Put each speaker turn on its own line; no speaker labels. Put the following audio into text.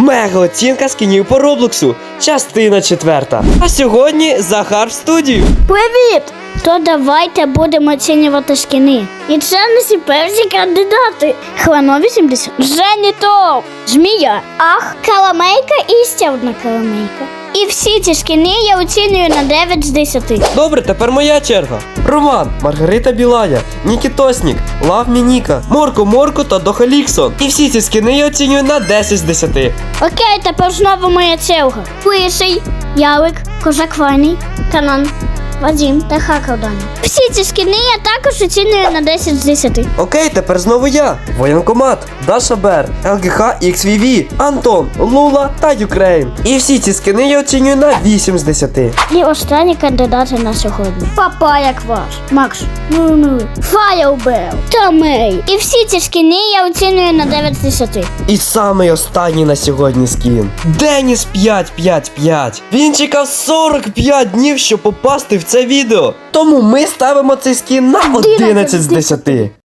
Мега оцінка скінів по Роблоксу. Частина 4. А сьогодні Захар в студію.
Привіт! То давайте будемо оцінювати скіни. І це не перші кандидати. Хвано 80. Жені Топ. Змія. Ах, каламейка і ще одна каламейка. І всі ці скіни я оцінюю на 9 з 10.
Добре, тепер моя черга. Роман, Маргарита Білая, Нікітоснік, Лав Мініка, Морко та Дохаліксон. І всі ці скіни я оцінюю на 10 з 10.
Окей, тепер знову моя черга. Лисий, Ялик, Козак Ваний, Канан, Вадим та Хакер Даня. Всі ці скіни я також оцінюю на 10 з 10.
Окей, тепер знову я. Воєнкомат, Даша Бер, ЛГХ XVV, Антон, Лула та Юкрейн. І всі ці скіни я оцінюю на 8 з 10.
І останні кандидати на сьогодні. Папая Кваш, Макс, Файербел та Мей. І всі ці скіни я оцінюю на 9 з 10.
І самий останній на сьогодні скін. Деніс 555. Він чекав 45 днів, щоб попасти в це відео. Тому ми ставимо цей скін на 11 з 10.